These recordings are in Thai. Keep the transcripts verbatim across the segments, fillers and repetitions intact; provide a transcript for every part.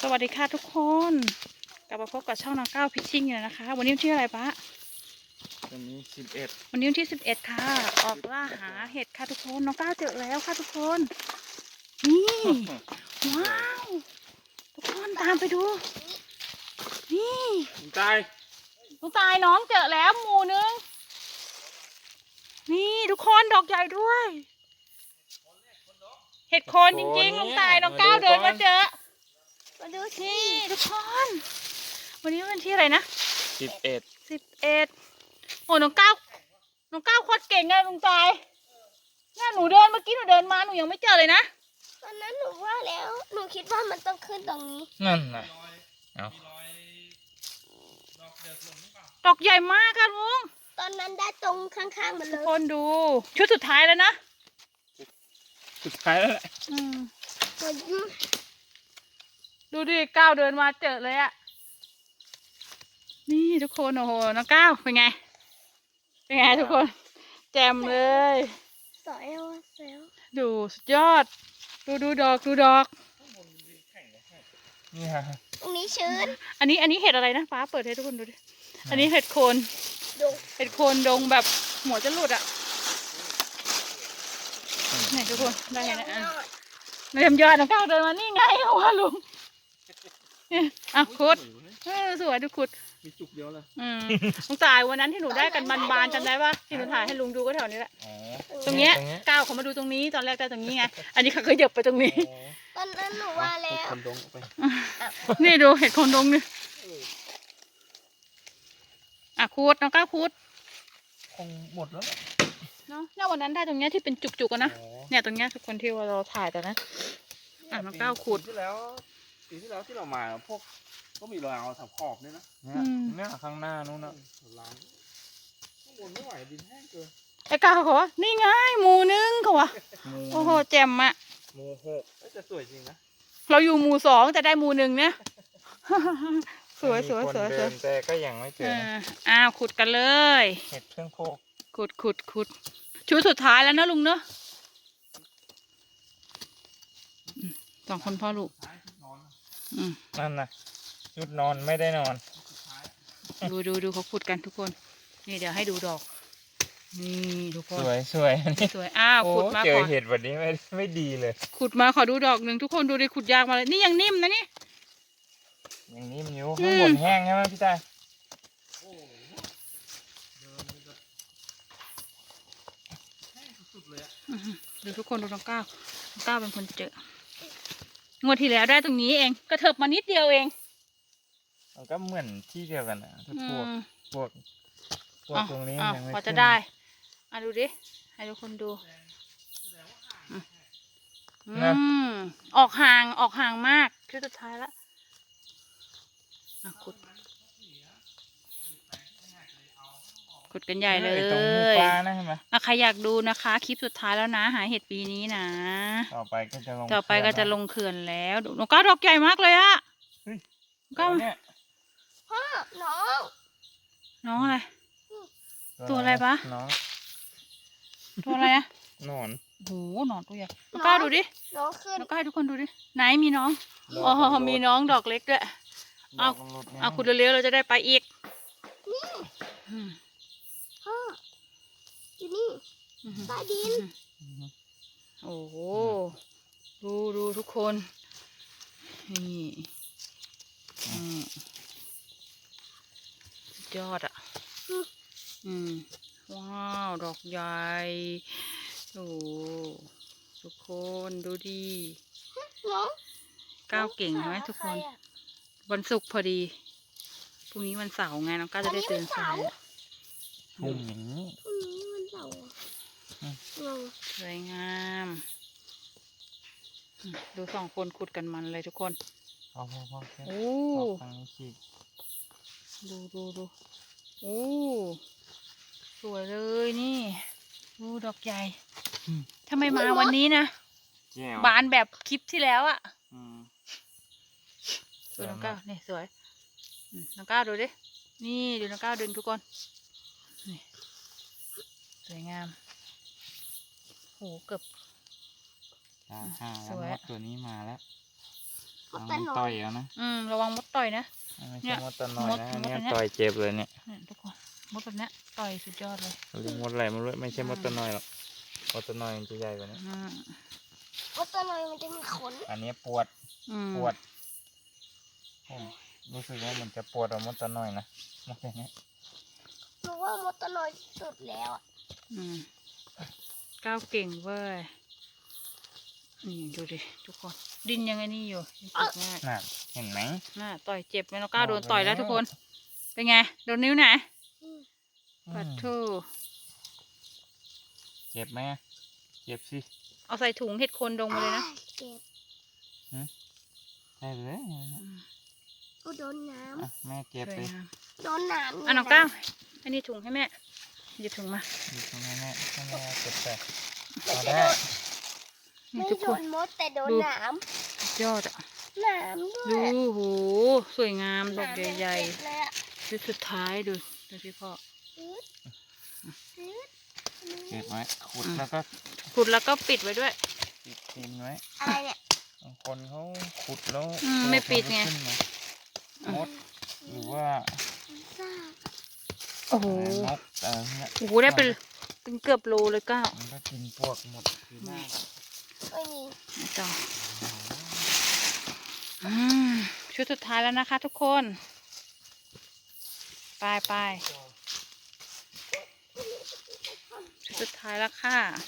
สวัสดีค่ะทุกคนกลับมาพบกับช่องน้องก้าวพิชชิ่งอยู่นะคะวันนี้วันที่อะไรปะวันนี้สิบเอ็ดวันนี้วันที่สิบเอ็ดค่ะออกล่าหาเห็ดค่ะทุกคนน้องก้าวเจอแล้วค่ะทุกคนนี่ว้าวทุกคนตามไปดูนี่ตายน้องตายน้องเจอแล้วหมู่นึงนี่ทุกคนดอกใหญ่ด้วยเห็ดโคนจริงๆน้องตายน้องก้าวเดินมาเจอมาดูสิทุกคนวันนี้วันที่อะไรนะสิบเอ็ดสิบเอ็ดโอ้น้องก้าวน้องก้าวโคตรเก่งไงลุงตายน่าหนูเดินเมื่อกี้หนูเดินมาหนูยังไม่เจอเลยนะตอนนั้นหนูว่าแล้วหนูคิดว่ามันต้องขึ้นตรงนี้นั่นนะเอาดอกใหญ่มากค่ะลุงตอนนั้นได้ตรงข้างๆมันเลยทุกคนดูชุดสุดท้ายแล้วนะสุดท้ายแล้วแหละดูดิก้าวเดินมาเจอเลยอะนี่ทุกคนโอ้โหน้องก้าวเป็นไงเป็นไงทุกคนแจ่มเลยสวยสวยดูสุดยอดดูดูดอกดูดอกนี่ฮะตรงนี้ชื้นอันนี้อันนี้เห็ดอะไรนะฟ้าเปิดให้ทุกคนดูดิอันนี้เห็ดโคนเห็ดโคนดงแบบหัวจะหลุดอะไหนทุกคนได้ไงนะเรียมยอดน้องก้าวเดินมานี่ไงหัวลุงอ่ะขุดสวยดูขุดมีจุกเดียวเลยอืมลุงตายวันนั้นที่หนูได้กันบานๆจำได้ปะที่หนูถ่ายให้ลุงดูก็แถวนี้แหละตรงเนี้ยก้าวเขามาดูตรงนี้ตอนแรกได้ตรงนี้ไงอันนี้เขาเคยเหยียบไปตรงนี้ตอนนั้นหนูว่าแล้วคนดงไปนี่ดูเห็ดคนดงนี่อ่ะขุดน้องก้าวขุดคงหมดแล้วเนาะเนี่ยวันนั้นได้ตรงเนี้ยที่เป็นจุกๆกันนะเนี่ยตรงเนี้ยทุกคนที่ว่าเราถ่ายแต่นะอ่ะน้องก้าวขุดที่แล้วปีที่แล้วที่เรามาพวกก็มีรอยเอาสับขอบด้วยนะเนี่ยเนี่ยข้างหน้านู้นนะล้างข้างบนไม่ไหวดินแห้งเกินไอ้ก้าวเขาว่านี่ไงหมู่นึงเขาว่าโอ้โหแจ่มอะหมู่หกจะสวยจริงนะเราอยู่หมู่สองแต่ได้หมู่หนึ่งเนี่ยสวยสวยสวยสวยแต่ก็ยังไม่เจออ้าวขุดกันเลยเห็ดเครื่องโคกขุดขุดขุดชุดสุดท้ายแล้วนะลุงเนอะสองคนพ่อลูกนั่นนะชุดนอนไม่ได้นอนดูดูดูเขาขุดกันทุกคนนี่เดี๋ยวให้ดูดอกนี่ทุกคนสวยสวยนี่สวยอ้าวขุดมาเจอเห็ดแบบนี้ไม่ไม่ดีเลยขุดมาขอดูดอกหนึ่งทุกคนดูดิขุดยากมาเลยนี่ยังนิ่มนะนี่ยังนิ่มอยู่ข้างบนแห้งใช่ไหมพี่ตาดูทุกคนดูน้องก้าวน้องก้าวเป็นคนเจองวดที่แล้วได้ตรงนี้เองกระเถิบมานิดเดียวเองมันก็เหมือนที่เดียวกันนะพวกพวกพวกตรงนี้ยังไม่พอจะได้อ่ะดูดิให้ทุกคนดูอืมออกห่างออกห่างมากชุดสุดท้ายแล้วอ่ะขุดขุดกันใหญ่เลยตรงปลานะใช่ไหมอ่ะใครอยากดูนะคะคลิปสุดท้ายแล้วนะหาเห็ดปีนี้นะต่อไปก็จะลงต่อไปก็จะลงเขื่อนแล้วน้องก้าวดอกใหญ่มากเลยอะก้าวเนี่ยพ่อน้องน้องอะไรตัวอะไรปะน้องตัวอะไรอะนอนโหนอนตัวใหญ่น้องก้าวดูดิน้องขึ้นน้องก้าวทุกคนดูดิไหนมีน้องอ๋อมีน้องดอกเล็กด้วยเอาเอาขุดเร็วๆเราจะได้ไปอีกพ่ออยู่นี่ใต้ดินโอ้โหดูดูทุกคนนี่ยอดอ่ะอืมว้าวดอกใหญ่โอ้ทุกคนดูดีก้าวเก่งไหมทุกคนวันศุกร์พอดีพรุ่งนี้วันเสาร์ไงน้องก้าวจะได้ตื่นสายพรุ่งนี้พรุ่งนี้วันเสาร์สวยงามดูสองคนขุดกันมันเลยทุกคนพอพอพอโอ้ดูดูดูโอ้สวยเลยนี่ดูดอกใหญ่ทำไมมาวันนี้นะบานแบบคลิปที่แล้วอะดูน้องก้าวนี่สวยน้องก้าวดูดินี่ดูน้องก้าวดึงทุกคนนี่สวยงามโหเกือบสวยตัวนี้มาแล้วมดแต่หน่ต่ออย ยเอานะอืมระวังมดต่อยนะไม่เนี่ใช่ยมดตัวน้อยมดนะอันมดเนี้ยอันเนี้ยต่อยเจ็บเลยเนี่ยเนี่ยทุกคนมดแบบเนี้ยต่อยสุดยอดเลยเขาเรียกมดอะไรมันไม่ใช่มดตัวน้อยหรอกมดตัวน้อยมันจะใหญ่กว่านี้อืมมดแต่หน่อยมันจะมีขนอันนี้ปวดอืมปวดผมรู้สึกว่ามันจะปวดกว่ามดตัวน้อยนะมดอย่างเงี้ยหนูว่ามดแต่หน่อยสุดแล้วอะอืมก้าวเก่งเว้ยนี่ดูดิทุกคน ดินยังไงนี่อยู่ยังติดง่ายน่ะเห็นไหมน่าต่อยเจ็บไหมน้องก้าวโดนต่อยแล้วบอกแล้วทุกคน เป็นไงโดนนิ้วไหนอืมปัดอืมทูเจ็บไหมเจ็บสิเอาใส่ถุงเห็ดโคนดงมาเลยนะเจ็บใช่เลยอืมกูโดนน้อ่ะแม่เก็บสวยเลยงามำโดนน้ำอ่ะน้องก้าวอันนี้ถุงให้แม่หยิบถุงมาอยู่ตรงนี้แม่ให้แม่เก็บไปไม่เอาใช่ได้โดนนี่ไม่ทุกโดคนนมดแต่โดนดูน้สุดยอดอ่ะำน้ำด้วดูยโหสวยงามดอกน้ำใหญ่ยังเจ็บเลยอะๆชุดสุดท้ายดูดูที่พ่ออืดอืดเก็บไว้ขุดแล้วก็ขุดแล้วก็ปิดไว้ด้วยปิดทิ้งไว้อะไรเนี่ยบางคนเขาขุดแล้วอืมไม่ปิดไงขึ้นมามดหรือว่าซ่าโอ้โหนกอะไรเงี้ยโอ้โหได้เป็นเป็นเกือบโลเลยก้าวมันก็กินพวกหมดคือหน้าไม่มีนะจ๊ะอืมชุดสุดท้ายแล้วนะคะทุกคน ไปไปชุดสุดท้ายแล้วค่ะ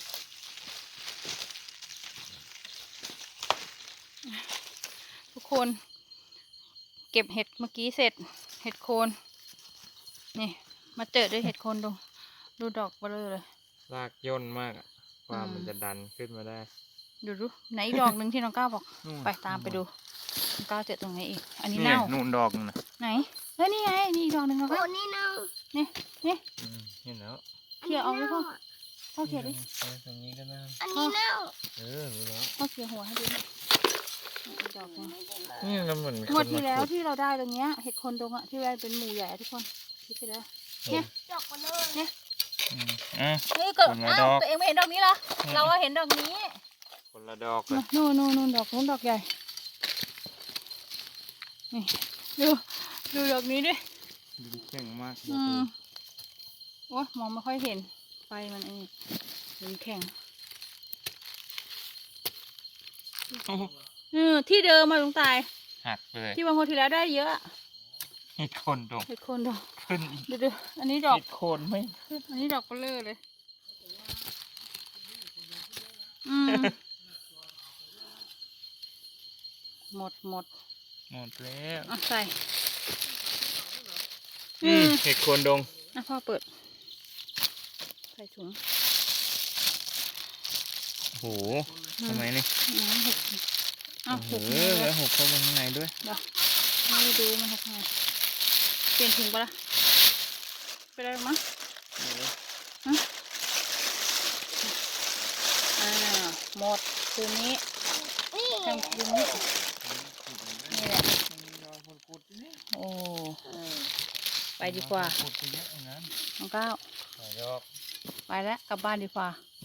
ทุกคน เก็บเห็ดเมื่อกี้เสร็จ เห็ดโคน นี่ มาเจอด้วยเห็ดโคนดู ดูดอกเบลอเลยรากย่นมากอะกว่าอืมมันจะดันขึ้นมาได้ดูดูไหนอีกดอกหนึ่งที่น้องก้าวบอกนู่นไปตามไปดู น้องก้าวเจอตรงไหนอีก อันนี้นี่เน่านู่นดอกนึงนะไหนเฮ้ยนี่ไง นี่อีกดอกหนึ่งน้องโอ้ก้าวนี่เน่านี่นี่อืมเห็นแล้วเขี่ยเอาไว้พ่อน่าะพ่อเขี่ยดิเออตรงนี้ก็ได้อันนี้เน่าเออรู้แล้วพ่อเขี่ยหัวให้ดูหน่อยอีกดอกหนึ่งไม่ได้มานี่เราเหมือนงวดที่แล้วที่เราได้ตรงเนี้ย เห็ดโคนดงอะที่ว่าเป็นหมู่ใหญ่อะทุกคนคิดไปแล้ว เนี่ยดอกมาเลยเนี่ยอืมอ่ะเฮ้ยเกิดคนละอ้าดวอกตัวเองไม่เห็นดอกนี้เหรอ เราอะเห็นดอกนี้คนละดอกเลยนู่นนู่นนู่นดอกนู้นดอกใหญ่ นี่ดูดูดอกนี้ดิดูเก่งมากอืมโอ้ยมองไม่ค่อยเห็น ไฟมันไอ้นี่มันแข็งโอ้โหเออที่เดิมมาลุงตายหักเลยที่วันงวดที่แล้วได้เยอะอะเห็ดโคนดกเห็ดโคนดอกขึ้นอีกดูดูอันนี้ดอกเห็ดโคนไม่อันนี้ดอกเบลอเลย อืม หมดหมดหมดแล้วอ่ะใส่อือืมมเห็ดโคนดงอ่ะพ่อเปิด ใส่ถุงโอ้โหทำไมนี่อืมหกอ้าวโอ้หโหกเลยแล้วหกเข้าไปข้างในด้วยเดี๋ยวไม่ดูมันหกไงเปลี่ยนถุงปะล่ะไปได้มั้งอ่าหมดคืนนี้นี่กลางคืนนี้นี่แหละโอ้ไปดีกว่าขุดไปเยอะอย่างนั้นน้องก้าวหอยดอกไปแล้วกลับบ้านดีกว่า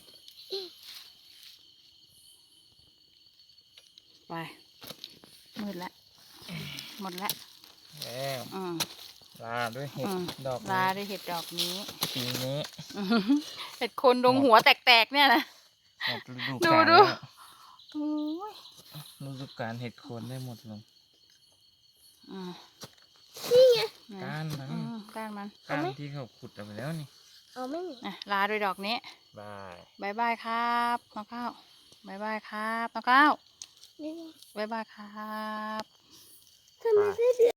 ไปมืดแล้วหมดแล้วแล้วอืมลาด้วยเห็ดอืมดอกลานี้ด้วยเห็ดดอกนี้ปีนี้อื้อหือเห็ดโคนดงหัวแตกๆเนี่ยนะหมดฤดูดูกาลดูแล้วโอ้ยฤดูกาลเห็ดโคนได้หมดลงอืมนี่ไงก้านมันอืมก้านมันก้านที่เขาขุดเอาไปแล้วนี่เอาไม่มีอ่ะลาด้วยดอกนี้บายบายบายครับน้องก้าวบายบายครับน้องก้าวนี่ไงบายบายครับทำไมไส้เดือน